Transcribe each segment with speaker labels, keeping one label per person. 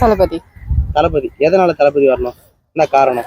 Speaker 1: தளபதி.
Speaker 2: தளபதி. எதனால தளபதி வரணும்? என்ன காரணம்?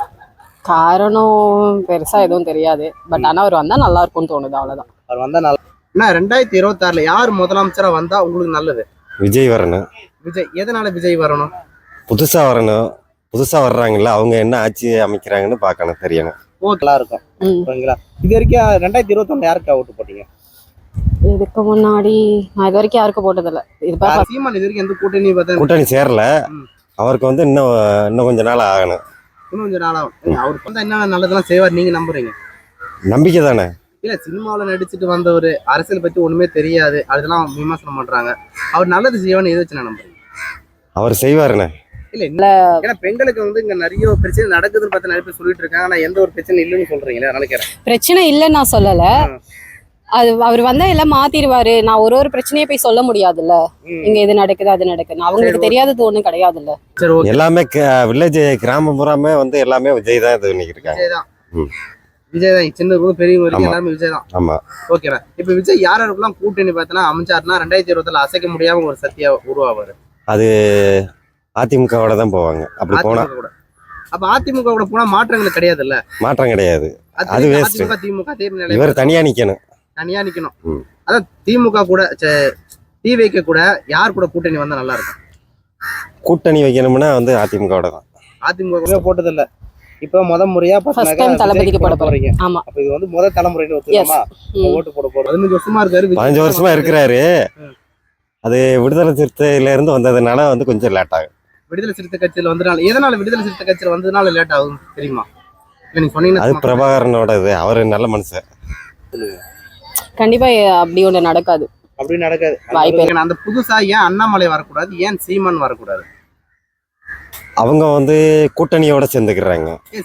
Speaker 1: காரணம் பெருசா எதுவும் தெரியாது. பட் ஆனா அவர் வந்தா நல்லா இருக்கும்னு தோணுது, அவ்வளவுதான்.
Speaker 2: அவர் வந்தா நல்லா. என்ன 2026ல யார் முதலமைச்சரா வந்தா உங்களுக்கு நல்லது?
Speaker 3: விஜய் வரணும்.
Speaker 2: விஜய். எதனால விஜய் வரணும்?
Speaker 3: புதுசா வரணும். புதுசா வர்றாங்கல்ல, அவங்க என்ன ஆட்சி அமைக்கிறாங்கன்னு பார்க்கணும், தெரியணும்.
Speaker 2: நல்லா இருக்கும். ஓகேங்களா? இது வரைக்கும் 2021 யாருக்கு ஓட்டு போட்டீங்க?
Speaker 1: இதுக்கு முன்னாடி நான் இது வரைக்கும் யாருக்கும் போட்டதில்ல.
Speaker 2: சீமான் இது வரைக்கும் எந்த கூட்டணி பார்த்தா
Speaker 3: கூட்டணி சேரல. அவருக்கு வந்து இன்னும் கொஞ்ச நாள் ஆகணும்.
Speaker 2: இன்னும் கொஞ்சம் நாளாகும். அவருக்கு வந்து என்ன நல்லதெல்லாம் செய்வார் நீங்க நம்புறீங்க?
Speaker 3: நம்பிக்கை தானே.
Speaker 2: இல்ல, சினிமாவில் நடிச்சுட்டு வந்த ஒரு அரசியல் பத்தி ஒண்ணுமே தெரியாது, அதெல்லாம் விமர்சனம் பண்றாங்க. அவர் நல்லது செய்வான்னு எது வச்சு நான் நம்புறேன்.
Speaker 3: அவர் செய்வாருண்ணே.
Speaker 2: இல்ல, ஏன்னா பெண்களுக்கு வந்து இங்க நிறைய பிரச்சனை நடக்குதுன்னு பார்த்து நிறைய பேர் சொல்லிட்டு இருக்காங்க. ஆனா எந்த ஒரு பிரச்சனை இல்லைன்னு சொல்றீங்களே, நினைக்கிறேன்.
Speaker 1: பிரச்சனை இல்லைன்னு நான் சொல்லல. அது அவர் வந்தா எல்லாம் மாத்திடுவாரு. நான் ஒரு பிரச்சனையை போய் சொல்ல முடியாதுல்ல. இங்க இது நடக்குது அது நடக்குது அவங்களுக்கு தெரியாதது ஒண்ணும் கிடையாதுல்ல.
Speaker 3: எல்லாமே வில்லேஜ் கிராமம் புறாமே வந்து எல்லாமே விஜய் தான் இது பண்ணிக்கிட்டு இருக்காங்க.
Speaker 2: விஜய் தான். சின்ன பெரிய எல்லாமே விஜய் தான்.
Speaker 3: ஆமா.
Speaker 2: ஓகேண்ணா. இப்ப விஜய் யாருக்கெல்லாம் கூட்டணி பார்த்தனா அமைச்சாருன்னா 2020 அசைக்க முடியாம ஒரு சக்தியா உருவாவாரு.
Speaker 3: அது அதிமுகவோட தான் போவாங்க. அப்படி போனா
Speaker 2: கூட. அப்ப அதிமுக கூட போனா மாற்றங்கள் கிடையாது இல்ல.
Speaker 3: மாற்றம் கிடையாது. அது வேஸ்ட்.
Speaker 2: திமுக
Speaker 3: இவர் தனியா நிக்கணும்.
Speaker 2: தனியா நிக்கணும். அதான் திமுக கூட டிவிக்கு கூட யார் கூட கூட்டணி வந்தா நல்லா இருக்கும்?
Speaker 3: கூட்டணி வைக்கணும்னா வந்து அதிமுகவோட தான்.
Speaker 2: அதிமுக கூட போட்டது இல்ல. இப்ப முறையா
Speaker 1: தளபதிக்கு போட போறீங்க. ஆமா.
Speaker 2: அப்ப இது வந்து முதல் தலைமுறைன்னு ஒத்துக்கலாமா? ஓட்டு போட போறோம். 15 வருஷமா இருக்காரு.
Speaker 3: 15 வருஷமா இருக்கிறாரு. அது விடுதலை சிறுத்தையில இருந்து வந்ததுனால வந்து கொஞ்சம் லேட் ஆகும்.
Speaker 2: விடுதலை சிறுத்தை கட்சியில வந்ததுனால. எதனால விடுதலை சிறுத்தை கட்சியில வந்ததுனால லேட் ஆகும் தெரியுமா? நீங்க சொன்னீங்கன்னா.
Speaker 3: அது பிரபாகரனோட இது. அவரு நல்ல மனுஷன்.
Speaker 1: கண்டிப்பா அப்படி ஒண்ணு நடக்காது.
Speaker 2: அப்படி நடக்காது. அந்த புதுசா ஏன் அண்ணாமலை வரக்கூடாது, ஏன் சீமான் வரக்கூடாது?
Speaker 3: அவங்க வந்து கூட்டணியோட சேர்ந்துக்கிறாங்க.